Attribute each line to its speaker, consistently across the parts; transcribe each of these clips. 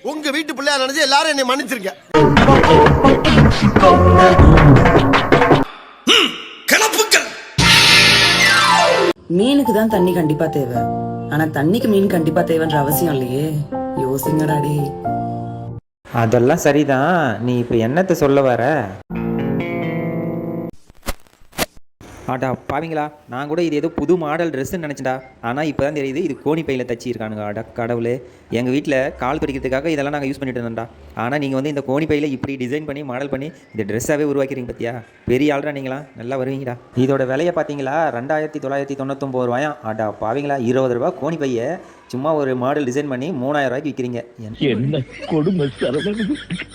Speaker 1: உங்க வீட்டு பிள்ளையா நினைச்சு எல்லாரும் என்னை மன்னிச்சிருக்க.
Speaker 2: மீனுக்கு தான் தண்ணி கண்டிப்பா தேவை, ஆனா தண்ணிக்கு மீன் கண்டிப்பா தேவைன்ற அவசியம் இல்லையே. யோசிங்கடா டே.
Speaker 3: அதெல்லாம் சரிதான், நீ இப்போ என்னத்தை சொல்ல வர? ஆட்டா பாவீங்களா, நான் கூட இது ஏதோ புது மாடல் ட்ரெஸ்ஸுன்னு நினச்சேன்டா. ஆனால் இப்போ தான் தெரியுது இது கோணி பையில் தச்சிருக்கானுங்க. ஆடா கடவுளே, எங்கள் வீட்டில் கால் பிடிக்கிறதுக்காக இதெல்லாம் நாங்கள் யூஸ் பண்ணிட்டு இருந்தோம்டா. ஆனால் நீங்கள் வந்து இந்த கோணி பையில் இப்படி டிசைன் பண்ணி மாடல் பண்ணி இந்த ட்ரெஸ்ஸாகவே உருவாக்கிறீங்க பார்த்தியா? பெரிய ஆள்ரா நீங்களா, நல்லா வருவீங்கடா. இதோட விலையை பார்த்தீங்களா, 2999 ரூபாயாம். ஆட்டா பாவீங்களா, 20 ரூபா கோணி பையை சும்மா ஒரு மாடல் டிசைன் பண்ணி 3000 ரூபாய்க்கு விற்கிறீங்க.
Speaker 4: என்ன கொடுமை சரவணன்.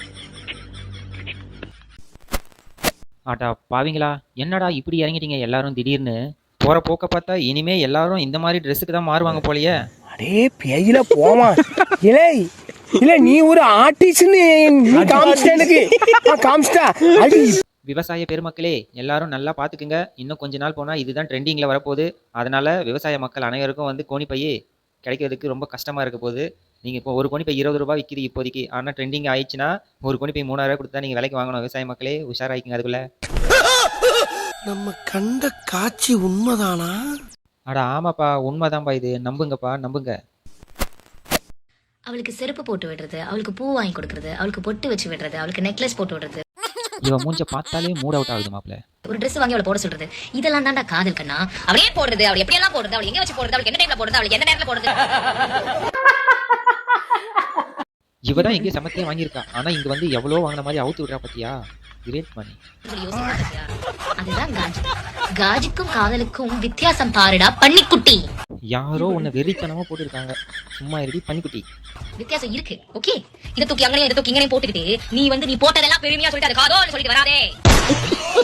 Speaker 5: ஆட்டா பாவீங்களா, என்னடா இப்படி இறங்கிட்டீங்க எல்லாரும் திடீர்னு? போற போக்க பார்த்தா இனிமே எல்லாரும் இந்த மாதிரி ட்ரெஸ்ஸுக்கு தான் மாறுவாங்க போலயே.
Speaker 6: அடே பேயில போமா இல்லை இல்ல, நீ ஒரு ஆர்டிஸ்ட்னு காமிச்சிட்டா.
Speaker 5: விவசாய பெருமக்களே எல்லாரும் நல்லா பார்த்துக்குங்க. இன்னும் கொஞ்ச நாள் போனால் இதுதான் ட்ரெண்டிங்கில் வரப்போகுது. அதனால் விவசாய மக்கள் அனைவருக்கும் வந்து கோணிப்பையே கிடைக்கிறதுக்கு ரொம்ப கஷ்டமாக இருக்க போகுது. நீங்கள் இப்போ ஒரு கோணிப்பை 20 ரூபா விற்கிது இப்போதைக்கு. ஆனால் ட்ரெண்டிங் ஆயிடுச்சுன்னா ஒரு கோணிப்பை 3000 கொடுத்தா நீங்கள் விலைக்கு வாங்கணும். விவசாய மக்களே உஷாராயிக்குங்க அதுக்குள்ள.
Speaker 1: நம்ம கண்ட காட்சி உண்மைதானா?
Speaker 5: அடா ஆமாப்பா, உண்மைதான்ப்பா, இது நம்புங்கப்பா, நம்புங்க.
Speaker 7: அவளுக்கு செருப்பு போட்டு விடுறது, அவளுக்கு பூ வாங்கி கொடுக்கறது, அவளுக்கு பொட்டு வச்சு விடுறது, அவளுக்கு நெக்லஸ் போட்டு விடுறது.
Speaker 5: இவன் மூஞ்ச பார்த்தாலே மூட் அவுட் ஆகுது மாப்ள.
Speaker 7: ஒரு ட்ரெஸ் வாங்கி அவளை போட சொல்றது, இதெல்லாம் தான்டா காதல் கண்ணா. அவளே போடுறது, அவள் எப்படி எல்லாம் போடுறது, அவள் எங்க வச்சு போடுறது, அவளுக்கு எந்த டைம்ல போடுறது, அவளுக்கு எந்த நேரத்துல போடுறது.
Speaker 5: இவதான் எங்கேயும் சமத்தையே வாங்கியிருக்கா, ஆனா இங்க வந்து எவ்வளோ வாங்கின மாதிரி அவுத்து விடுறா பத்தியா? கிரேட் மணி.
Speaker 7: அதுதான் காஜி. காஜிக்கும் காதலுக்கும் வித்தியாசம் பாருடா பன்னிக்குட்டி.
Speaker 5: யாரோ உன்னை வெறித்தனமா போட்டுருக்காங்க, சும்மா இருடி பன்னிக்குட்டி.
Speaker 7: வித்தியாசம் இருக்கு, ஓகே? இதை தூக்கி அங்கனையும் இதை தூக்கி இங்கனையும் போட்டுக்கிட்டு நீ வந்து நீ போட்டதெல்லாம் பெருமையா சொல்லிட்டு அது காதோன்னு சொல்லிட்டு வராதே.